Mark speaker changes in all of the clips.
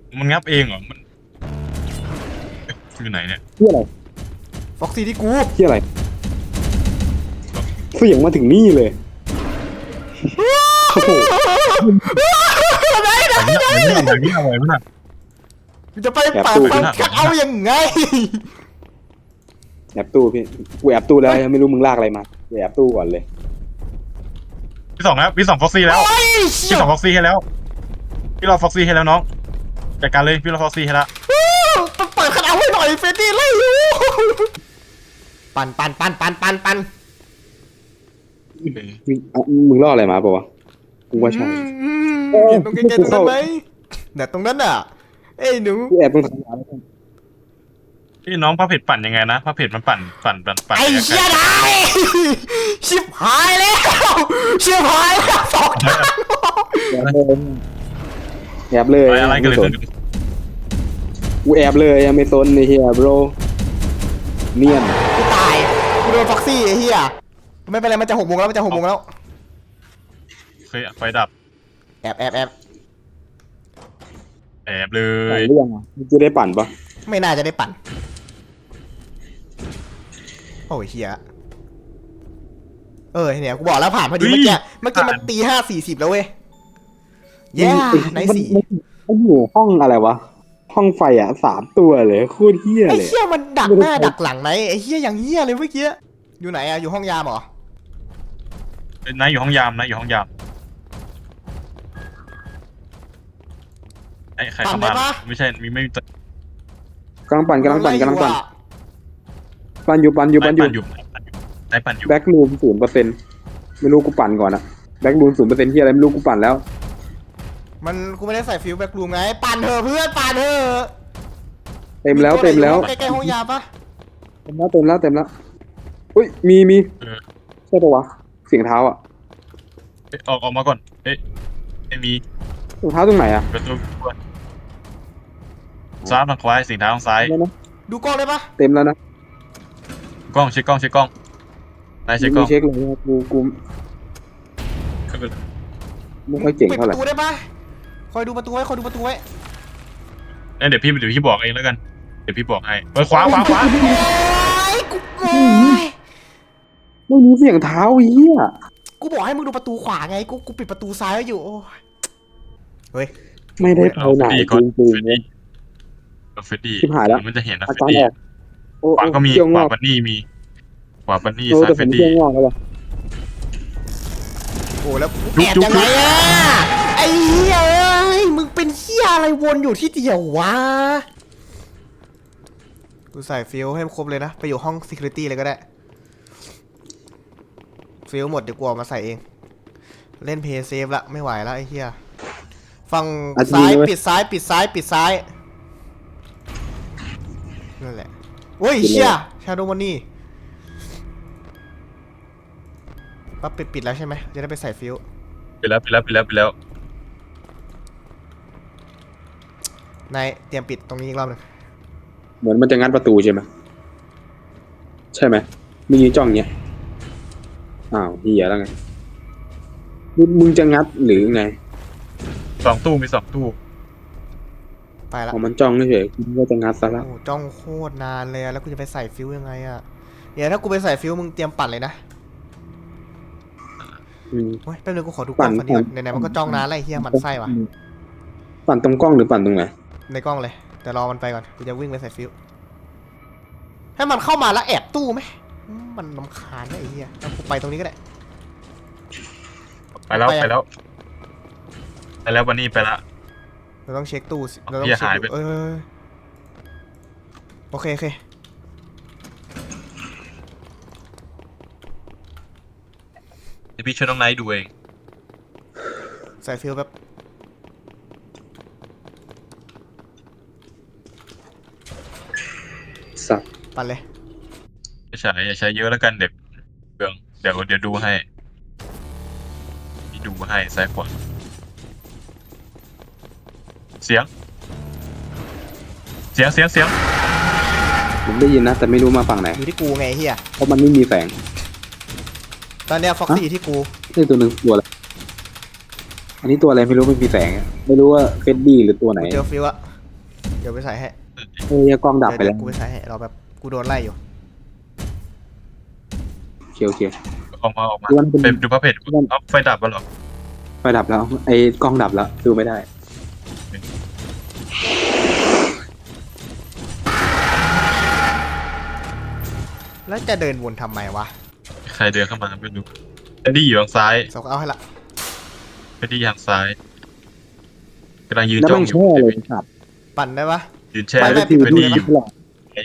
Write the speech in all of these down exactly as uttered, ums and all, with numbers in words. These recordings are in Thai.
Speaker 1: มันงับเองเหรอมันอยู่ไหนเนี่ย
Speaker 2: เที่ยอะไร
Speaker 3: ฟ็อกซี่ที่กู
Speaker 2: เที่ยอะไรเสียงมาถึงนี่เลยโอ้โห
Speaker 3: ไหนไหน
Speaker 1: อย่างนี้อย่างนี้อะไรมั้งน่ะ
Speaker 3: กูจะไปป่าฟังชักเอายังไง
Speaker 2: แอบตู้พี่กูแอบตู้แล้วยังไม่รู้มึงลากอะไรมากูแอบตู้ก่อนเลย
Speaker 1: พี่สองแล้วพี่สองฟ็อกซี่แล้ว
Speaker 3: โอ้ย
Speaker 1: พี่สองฟ็อกซี่ให้แล้วพี่รอฟ็อกซี่ให้แล้วน้องจัดการเลยพี่รอฟ็อกซี่ให้แล้ว
Speaker 3: เปิดคันเอาให้หน่อยเฟรดดี้ไล่อยู่ปันปันปันปันปันปัน
Speaker 2: มึงอ่ะมึงล่ออะไรมาเปล่าวะกูว่าใช่
Speaker 3: เห็นตรงใกล้ๆตรงนั้นไหมเนี่ยตรงนั้นอ่ะเอ้ยหนู
Speaker 2: กูแอบตรงทางร้าน
Speaker 1: พี่น้องพระเผ็ดปั่นยังไงนะพระเผ็ดมันปั่นปั่นปั่นปั่น
Speaker 3: ไอ้เหี้ยได้ชิบหายแล้วชิบหายแล้วสองทาง
Speaker 2: แอบเลย
Speaker 1: อะไรกันเลย
Speaker 2: กูแอบเลยยังไม่สนในเฮียโบรเนียน
Speaker 3: กูตายกูโดนฟ็อกซี่ไอ้เหี้ยไม่เป็นไรมันจะหกโมงแล้วมันจะหกโมงแล้ว
Speaker 1: เคยไฟดับ
Speaker 3: แอบแอบแอบ
Speaker 1: แอบเล
Speaker 2: ปั่น
Speaker 1: ย
Speaker 2: เรื่องอ่ะมึงจะได้ปั่นปะ
Speaker 3: ไม่น่าจะได้ปั่นโอ้ยเฮียเออเนี่ยกูบอกแล้วผ่านพอดีเมื่อกี้เมื่อกี้มันตีห้าสี่สิบแล้วเว้ยแย่ไหนสี่
Speaker 2: มันอยู่ห้องอะไรวะห้องไฟอ่ะสามตัวเลยโคตรเฮี้ย
Speaker 3: ไอ้
Speaker 2: เลย
Speaker 3: เฮียมันดักหน้าดักหลังไหนไอ้เฮียอย่างเฮียเลยเมื่อกี้อยู่ไหนอะอยู่ห้องยามเหรอ
Speaker 1: นายอยู่ห้องยามนะอยู่ห้องยามไอ้ใครเข้ามาไม่ใช่มีไม่มี
Speaker 2: กำลังปั่นกำลังปั่นกำลังปั่นปั่นอยู่ปั่นอยู่ปั่นอยู่
Speaker 1: นายปั่นอยู่
Speaker 2: แบ็กรูมศูนย์เปอร์เซ็นต์ไม่รู้กูปั่นก่อนอะแบ็กรูมศูนย์เปอร์เซ็นต์ที่อะไรไม่รู้กูปั่นแล้ว
Speaker 3: มันกูไม่ได้ใส่ฟิวแบ็กรูมไงปั่นเถอะเพื่อนปั่นเถอะ
Speaker 2: เต็มแล้วเต็มแล้ว
Speaker 3: ใกล้ๆห้องยาปะ
Speaker 2: เต็มแล้วเต็มแล้วเต็มแล้วอุ้ยมีมีใช่ปะวะเสียงเท้าอ่ะ
Speaker 1: ออกออกมาก่อนเอ๊ะไม่มี
Speaker 2: เสียงเท้าตรงไหนอ่ะ
Speaker 1: ประตูซ้ายทางขวาสีเท้าทางซ้าย
Speaker 2: ได้นะ
Speaker 3: ดูกล้องได้ปะ
Speaker 2: เต็มแล้วนะ
Speaker 1: กล้องเช็คกล้องเช็คกล้องนายเช็คกล้
Speaker 2: มี
Speaker 1: อง
Speaker 2: เช็คเลยนะกูกูไม่ค่อยเก่ง
Speaker 3: ปิด
Speaker 2: เท่า
Speaker 3: ป
Speaker 2: ไหร่
Speaker 3: ระตูได้ปะคอยดูประตูไว้คอยดูประตูไว้
Speaker 1: เดี๋ยวพี่เดี๋ยวพี่บอกเองแล้วกันเดี๋ยวพี่บอกให้เฮ้ยขวาขวาขวา
Speaker 3: โอ้ยกูโอ้ย
Speaker 2: ไม่มีเสียงเท้าเหี้ย
Speaker 3: กูบอกให้มึงดูประตูขวาไง กูกูปิดประตูซ้ายไว้อยู่โอ้ยเฮ้ย
Speaker 2: ไม่ได้ไปไหนจริงจริง
Speaker 1: เฟดดี้เฟดดี้มันจะเห็นนะ
Speaker 2: อา
Speaker 1: เฟด
Speaker 2: การ
Speaker 1: ดี้
Speaker 2: ออกโอ้
Speaker 1: ขวาก็มี
Speaker 2: เกี่ยว
Speaker 1: ข
Speaker 2: ง
Speaker 1: วา
Speaker 2: อก
Speaker 1: บันนี่มีขวาบันนี่
Speaker 2: โอ้
Speaker 1: ซ้าย
Speaker 2: แต่
Speaker 1: เฟ
Speaker 2: ผม
Speaker 1: ด
Speaker 2: เกี่
Speaker 1: ดี้
Speaker 2: ยวงอกแล้ว
Speaker 3: โอ้แล้วแอบยังไงอะไอ้เหี้ยเอ้ยมึงเป็นเหี้ยอะไรวนอยู่ที่เดียววะ กูใส่ฟิลให้ครบเลยนะ ไปอยู่ห้อง security เลยก็ได้ ฟิลหมดเดี๋ยวกูออกมาใส่เอง เล่นเพย์เซฟละไม่ไหวแล้วไอ้เหี้ยฝั่งซ้ายปิดซ้ายปิดซ้ายปิดซ้ายนั่นแหละโอ้ยเชี่ยชาโดมันนี่ปั๊บปิดปิดแล้วใช่ไหมจะได้ไปใส่ฟิล
Speaker 1: ไปแล้วไปแล้วไปแล้วไปแล้ว
Speaker 3: นายเตรียมปิดตรงนี้อีกรอบหนึง
Speaker 2: เหมือนมันจะงัดประตูใช่ไหมใช่ไหมมึงยืนจ้องเงี้ยอ้าวเหี้ยแล้วไงมึงมึงจะงัดหรือไง
Speaker 1: สองตู้มีสองตู้
Speaker 3: ไปละ
Speaker 2: เอามันจ้องเฉยๆคิดว่าจะงัดซะแล้ว
Speaker 3: โอ้จ้องโคตรนานเลยอะแล้วกูจะไปใส่ฟิลยังไงอะเดี๋ยวถ้ากูไปใส่ฟิลมึงเตรียมปั่นเลยนะ
Speaker 2: อืม
Speaker 3: โอ้ยแป๊บนึงกูขอดูกล้อง
Speaker 2: ปั่น
Speaker 3: ก่อนดีกว่า
Speaker 2: ปั่น
Speaker 3: ไหนๆมันก็จ้องนานแล้วไอ้เหี้ยมันไส้ว่ะ
Speaker 2: ปั่นตรงกล้องหรือปั่นตรงไหน
Speaker 3: ในกล้องเลยแต่รอมันไปก่อนกูจะวิ่งไปใส่ฟิวให้มันเข้ามาแล้วแอบตู้ไหมอืมมันรำคาญนะไอ้เหี้ยเอากูไปตรงนี้ก็ได้
Speaker 1: ไปแล้ว
Speaker 3: ไปอะ
Speaker 1: ไปแล้วไปแล้วบันนี่ไปละ
Speaker 3: เราต้องเช็คตู้สิเราต้อง
Speaker 1: เหี้ย
Speaker 3: เช็ค
Speaker 1: หาย
Speaker 3: ดู
Speaker 1: ไป
Speaker 3: เออโอเคโอเค
Speaker 1: เดี๋ยวพี่ช่วยน้องไนท์ดูเอง
Speaker 3: ใส่ฟิวแบบ
Speaker 2: สัตว์
Speaker 3: ปั่นเลย
Speaker 1: อย่าใช้อย่าใช้เยอะแล้วกันเด็กเบืองเดี๋ยวเดี๋ยวดูให้พี่ดูให้ซ้ายขวาเสียง เสียงเสียงเสียง
Speaker 2: ผมได้ยินนะ แต่ไม่รู้มาฝั่งไหน
Speaker 3: อยู่ที่กูไงไอ้เหี้ย
Speaker 2: เพราะมันไม่มีแสง
Speaker 3: ตอนเนี้ยฟ็อกซี่ที่กู
Speaker 2: นี่ตัวหนึ่งตัวอะไรอันนี้ตัวอะไรไม่รู้ไม่มีแสงอะไม่รู้ว่าเฟดดี้หรือตัวไหน
Speaker 3: กูเจอฟิวอะดี๋ยวไปใส่ให้
Speaker 2: เอ้ยกล้องดับไป
Speaker 3: เดี๋
Speaker 2: แล้
Speaker 3: ยว วกูไปใส่ให้เราแบบกูโดนไล่อยู่
Speaker 2: โอเคโอเค
Speaker 1: ออกมาออกมา
Speaker 2: วันเป็น
Speaker 1: ไปดูพระเพจเอาไฟดับมาหรอ
Speaker 2: ไฟดับแล้วไอ้กล้องดับแล้วดูไม่ได้
Speaker 3: แล้วจะเดินวนทำไมวะ
Speaker 1: ใครเดินเข้ามาไม่รู้เอ็ดดี้อยู่ทางซ้าย
Speaker 3: สกเอาให้ละ
Speaker 1: เอ็ดดี้ทางซ้ายกำลังยืน
Speaker 2: แล้ว
Speaker 1: จ้อ
Speaker 2: มั
Speaker 1: ง
Speaker 2: น
Speaker 1: อยู่
Speaker 2: แช่เลยครับ
Speaker 3: ปั่นได้ปะ
Speaker 1: ยืนแช่
Speaker 3: ไม่
Speaker 1: เอ็
Speaker 3: ไม่
Speaker 1: ด
Speaker 3: ปิดประตู
Speaker 1: ดี้
Speaker 3: ได้
Speaker 1: อยู่
Speaker 3: ปะ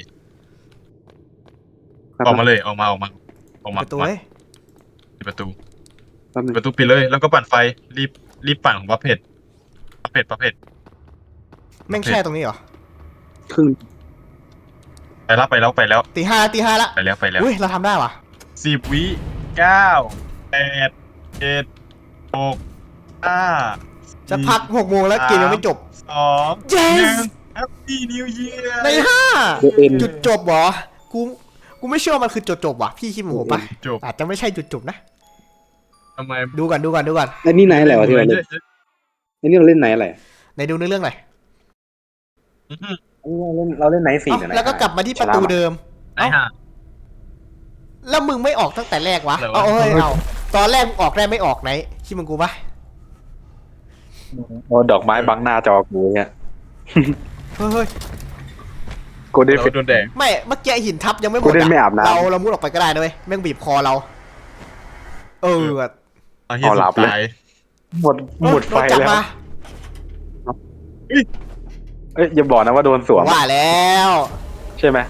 Speaker 1: ออกมาเลยออกมาออกมาออกมา
Speaker 3: ประตู
Speaker 1: มา
Speaker 3: เฮ้ย
Speaker 1: ปิดประตู
Speaker 2: แป๊บนึง
Speaker 1: ประตูปิดเลย แล้วก็ปั่นไฟรีบรีบปั่นของพระเพจพระเพจพระเพจ
Speaker 3: แม่งแช่ตรงนี้เหรอ
Speaker 2: ครึ่ง
Speaker 1: ไปแล้วไปแล้วไปแล้ว
Speaker 3: ตีห้าตีห้าละ
Speaker 1: ไปแล้วไปแล้ว
Speaker 3: อุ้ยเราทำได้วะ
Speaker 1: สิบวิเก้าแปดเจ็ดหกห้า
Speaker 3: จะพักหกโมงแล้วเกมยังไม่จบ
Speaker 1: สอง
Speaker 3: Yes
Speaker 1: หนึ่ง Happy New Year
Speaker 3: ในห้า
Speaker 2: เดเอ็น
Speaker 3: จุดจบเหรอกูกูไม่เชื่อว่ามันคือจุดจบว่ะพี่คิดเหมือนผมปะ
Speaker 1: จบ
Speaker 3: อาจจะไม่ใช่จุดจบนะ
Speaker 1: ทำไม
Speaker 3: ดูก่อนดูก่อนดูก่อน
Speaker 2: ไอ้นี่ไหนอะไรวะที่เราเล่นไอ้นี่เราเล่นไหนอะไร
Speaker 3: ไหนดูในเรื่องหน่อย
Speaker 1: อื้อหือ
Speaker 2: ไอ้นี่เราเล่นเราเล่นไหนสี่
Speaker 3: เอ้าแล้วก็กลับมาที่ประตูเดิม
Speaker 1: ไอ้ห่า
Speaker 3: แล้วมึงไม่ออกตั้งแต่แรกวะ
Speaker 1: อะไรวะ
Speaker 3: เอาเฮ้ยเอาตอนแรกมึงออกได้ไม่ออกไหนคิดมึงกูปะ
Speaker 2: โอ้ดอกไม้บังหน้าจอกูเนี่ย
Speaker 3: เฮ้ยเฮ้ย
Speaker 2: กูได้
Speaker 1: เรา
Speaker 2: ฟิต
Speaker 1: โดนแดง
Speaker 3: ไม่เมื่อกี้หินทับยังไม่หม
Speaker 2: กู
Speaker 3: ด
Speaker 2: ได้ไม่อาบน้ำ
Speaker 3: เราเรามุดออกไปก็ได้นะเว้ยแม่งบีบคอเรา เออว่ะ
Speaker 1: เอาที่สุดตาย
Speaker 2: หมดหมดไฟ
Speaker 3: โนจับ
Speaker 2: แล้ว
Speaker 3: มา
Speaker 2: เอ้ยอย่าบอกนะว่าโดนสวม
Speaker 3: ว่าแล้ว
Speaker 2: ใช่ไหม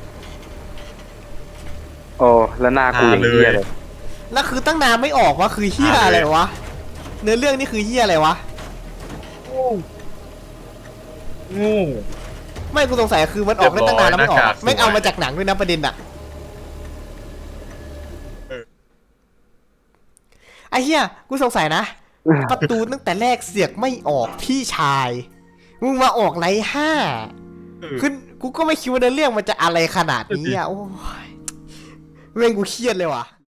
Speaker 2: โอ้แล้วหน้ากูอย่างเงี้ยเลย
Speaker 3: แล้วคือตั้งนานไม่ออกวะคือเฮียอะไรวะเนื้อเรื่องนี่คือเฮียอะไรวะ
Speaker 1: งู
Speaker 3: ไม่กูสงสัยคือมันออกได้ตั้งนานแล้วไม่ออก
Speaker 1: เรียบร้อยหน้ากาก
Speaker 3: ไม่งเอา
Speaker 1: สวย
Speaker 3: มาจากหนังด้วยนะประเด็นอะ
Speaker 1: เออ
Speaker 3: ไอ้เฮียกูสงสัยนะ ประตูตั้งแต่แรกเสียกไม่ออกพี่ชายมึงมาออกไรห้า
Speaker 1: เออ
Speaker 3: คือกูก็ไม่คิดว่าเนื้อเรื่องมันจะอะไรขนาดนี้อ่ะโอ้ยเรื่องกูเครียดเลยว่ะ